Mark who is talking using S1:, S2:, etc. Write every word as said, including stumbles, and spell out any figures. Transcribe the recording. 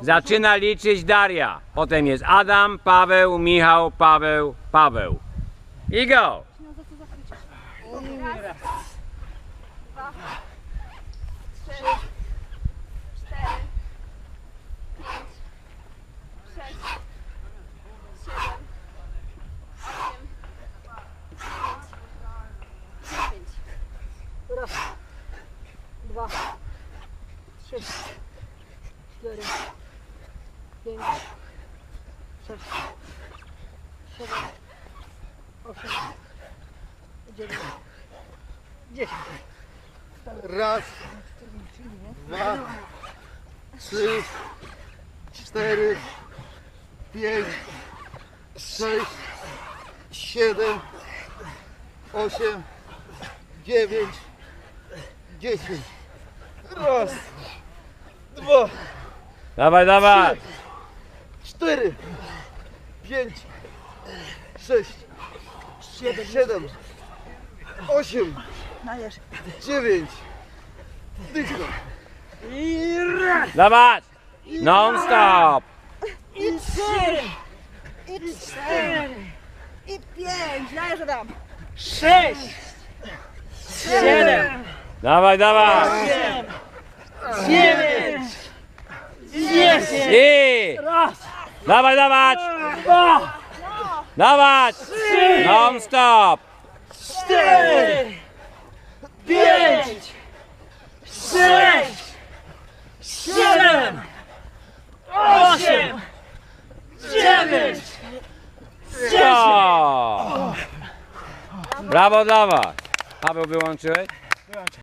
S1: Zaczyna liczyć Daria. Potem jest Adam, Paweł, Michał, Paweł, Paweł. I go!
S2: Raz, dwa, trzy, cztery, pięć, sześć, siedem, osiem, dziewięć.
S3: Raz, dwa, trzy, cztery, pięć, sześć, siedem, osiem, dziewięć, dziesięć.
S4: Raz, dwa, trzy, cztery, pięć, sześć, siedem, osiem, dziewięć, dziesięć. Raz, dwa,
S1: Dawaj, dawaj!
S4: cztery, pięć, sześć, siedem, osiem,
S3: Dajesz.
S4: dziewięć. Dycha.
S3: I raz,
S1: Dawać! Non stop!
S3: i trzy, i cztery, i pięć. Dajesz, Adam. Sześć, siedem,
S1: Dawaj, dawaj!
S3: osiem, dziewięć, dziesięć.
S1: I!
S3: Raz,
S1: Dawaj, dawać!
S3: dwa,
S1: Dawać! Non stop!
S3: cztery, pięć, sześć, siedem, osiem, dziewięć,
S1: O! Brawo, dawać! Paweł, wyłączyłeś?